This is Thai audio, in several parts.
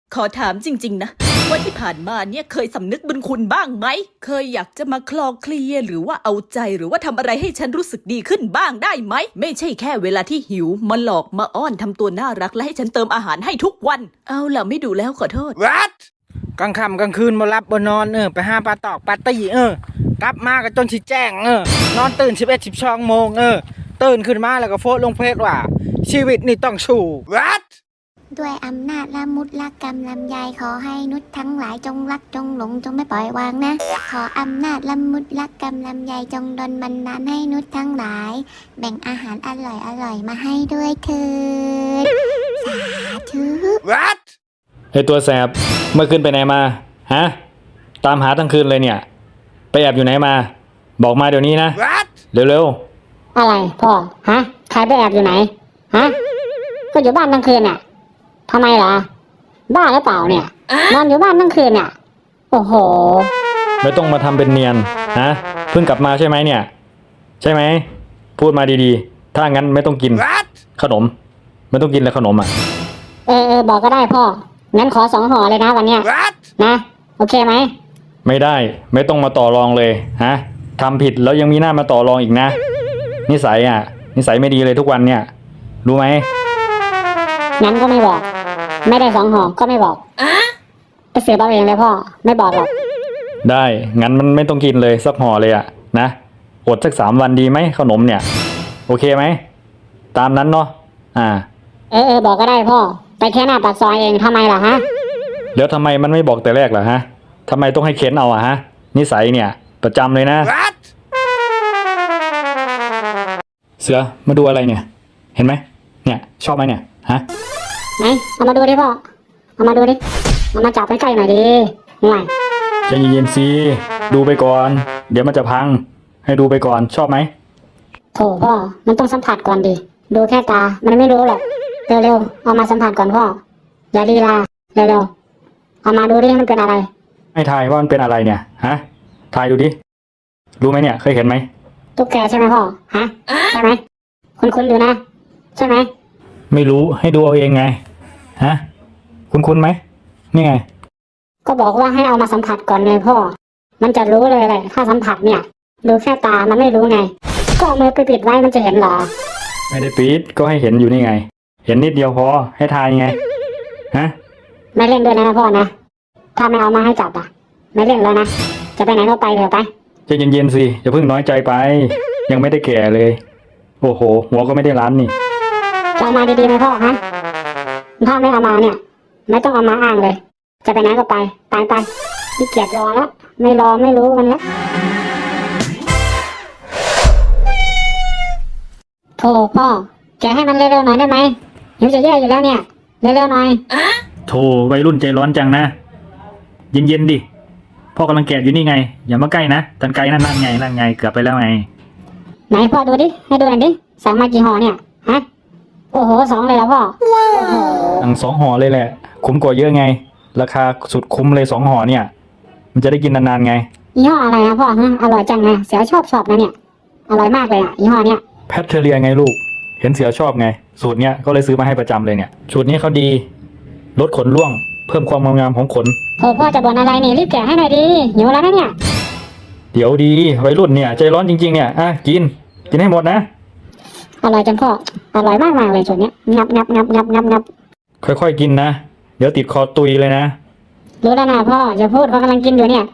ขอถามจริงๆนะว่าที่ผ่านมาเนี่ยเคยสำนึกบุญคุณบ้างไหมเคยอยากจะมาคลอเคลียหรือว่าเอาใจหรือว่าทำอะไรให้ฉันรู้สึกดีขึ้นบ้างได้ไหมไม่ใช่แค่เวลาที่หิวมาหลอกมาอ้อนทำตัวน่ารักและให้ฉันเติมอาหารให้ทุกวันเอาล่ะไม่ดูแล้วขอโทษ What กลางค่ำกลางคืนมารับบ่นอนไปหาปลาตอกปลาตีกลับมาก็จนสิแจ้งนอนตื่น11-12 โมงตื่นขึ้นมาแล้วก็โพสต์ลงเพจว่าชีวิตนี่ต้องสู้ What ด้วยอำนาจละมุดละกรรมลำยายขอให้นุชทั้งหลายจงรักจงหลงจงไม่ปล่อยวางนะขออำนาจละมุดละกรรมลำยายจงดลบันดาลให้นุชทั้งหลายแบ่งอาหารอร่อยมาให้ด้วยเถิดสาธุ What ไอตัวแสบเมื่อคืนไปไหนมาฮะตามหาทั้งคืนเลยเนี่ยไปแอบอยู่ไหนมาบอกมาเดี๋ยวนี้นะ What เร็วอะไรพ่อฮะใครไปแอบอยู่ไหนฮะก็อยู่บ้านทั้งคืนน่ะทำไมล่ะบ้าหรือเปล่าเนี่ยนอนอยู่บ้านทั้งคืนน่ะโอ้โหๆไม่ต้องมาทำเป็นเนียนฮะเพิ่งกลับมาใช่ไหมเนี่ยใช่ไหมพูดมาดีๆถ้างั้นไม่ต้องกิน What ขนมไม่ต้องกินแล้วขนมอ่ะบอกก็ได้พ่องั้นขอ2 ห่อเลยนะวันเนี้ย What นะโอเคไหมไม่ได้ไม่ต้องมาต่อรองเลยฮะทำผิดแล้วยังมีหน้ามาต่อรองอีกนะนิสัยไม่ดีเลยทุกวันเนี่ยรู้ไหมงั้นก็ไม่บอกไม่ได้2 ห่อก็ไม่บอกไปสืบเอาเองเลยพ่อไม่บอกหรอกได้งั้นมันไม่ต้องกินเลยสักห่อเลยอะนะอดสัก3 วันดีไหมขนมเนี่ยโอเคไหมตามนั้นเนาะบอกก็ได้พ่อไปแค่หน้าปากซอยเองทำไมล่ะฮะแล้วทำไมมันไม่บอกแต่แรกล่ะฮะทำไมต้องให้เค้นเอาอะฮะนิสัยเนี่ยประจำเลยนะ What เสือมาดูอะไรเนี่ยเห็นไหมเนี่ยชอบไหมเนี่ยฮะไหนเอามาดูดิพ่อเอามาดูดิเอามาจับใกล้ๆหน่อยดิห่วยใจเย็นๆสิดูไปก่อนเดี๋ยวมันจะพังให้ดูไปก่อนชอบไหมโถพ่อมันต้องสัมผัสก่อนดิดูแค่ตามันไม่รู้หรอกเร็วๆเอามาสัมผัสก่อนพ่ออย่าลีลาเร็วๆเอามาดูดิมันเป็นอะไรให้ทายว่ามันเป็นอะไรเนี่ยฮะทายดูดิรู้ไหมเนี่ยเคยเห็นไหมตุ๊กแกใช่ไหมพ่อฮะใช่ไหมคุ้นๆอยู่นะใช่ไหมไม่รู้ให้ดูเอาเองไงฮะคุ้นไหมนี่ไงก็บอกว่าให้เอามาสัมผัสก่อนไงพ่อมันจะรู้เลยแหละถ้าสัมผัสเนี่ยดูแค่ตามันไม่รู้ไงก็เอามือไปปิดไว้มันจะเห็นเหรอไม่ได้ปิดก็ให้เห็นอยู่นี่ไง เห็นนิดเดียวพอให้ทายไงฮะไม่เล่นด้วยนะพ่อนะถ้าไม่เอามาให้จับอ่ะไม่เล่นแล้วนะจะไปไหนก็ไปเถอะไปใจเย็นๆสิอย่าเพิ่งน้อยใจไป ยังไม่ได้แก่เลย โอ้โหหัวก็ไม่ได้ล้านนี่จะเอามาดีๆไหมพ่อฮะถ้าไม่เอามาเนี่ยไม่ต้องเอามาอ้างเลยจะไปไหนก็ไปไปขี้เกียจรอแล้วไม่รอไม่รู้มันแล้วโธ่พ่อแกให้มันเร็วๆหน่อยได้ไหมหิวจะแย่อยู่แล้วเนี่ยเร็วๆหน่อยโธ่วัยรุ่นใจร้อนจังนะเย็นๆดิพ่อกำลังแกะอยู่นี่ไงอย่ามาใกล้นะตันไกลนั่นไงเกือบไปแล้วไงไหนพ่อดูดิให้ดูหน่อยดิสั่งมากี่ห่อเนี่ยฮะโอ้โห2เลยแล้วพ่อโอ้โหสั่ง2 ห่อเลยแหละคุ้มกว่าเยอะไงราคาสุดคุ้มเลย2 ห่อเนี่ยมันจะได้กินนานๆไงยี่ห้ออะไรนะพ่อฮะอร่อยจังนะเสือชอบนะเนี่ยอร่อยมากเลยอ่ะยี่ห้อเนี้ยแพทเทเรียไงลูกเห็นเสือชอบไงสูตรเนี้ยก็เลยซื้อมาให้ประจำเลยเนี่ยสูตรนี้เขาดีลดขนร่วงเพิ่มความงามของขนโอ้พ่อจะบ่นอะไรนี่รีบแกะให้หน่อยดิหิวแล้วนะเนี่ยเดี๋ยวดีวัยรุ่นเนี่ยใจร้อนจริงๆเนี่ยกินให้หมดนะอร่อยจังพ่ออร่อยมากเลยสูตรเนี้ยงับค่อยๆกินนะเดี๋ยวติดคอตุยเลยนะรู้แล้วนะพ่ออย่าพูดเขากำลังกินอยู่เนี่ย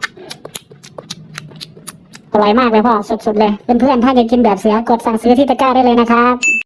อร่อยมากเลยพ่อสุดๆเลยเพื่อนๆถ้าอยากกินแบบเสือกดสั่งซื้อที่ตะกร้าได้เลยนะครับ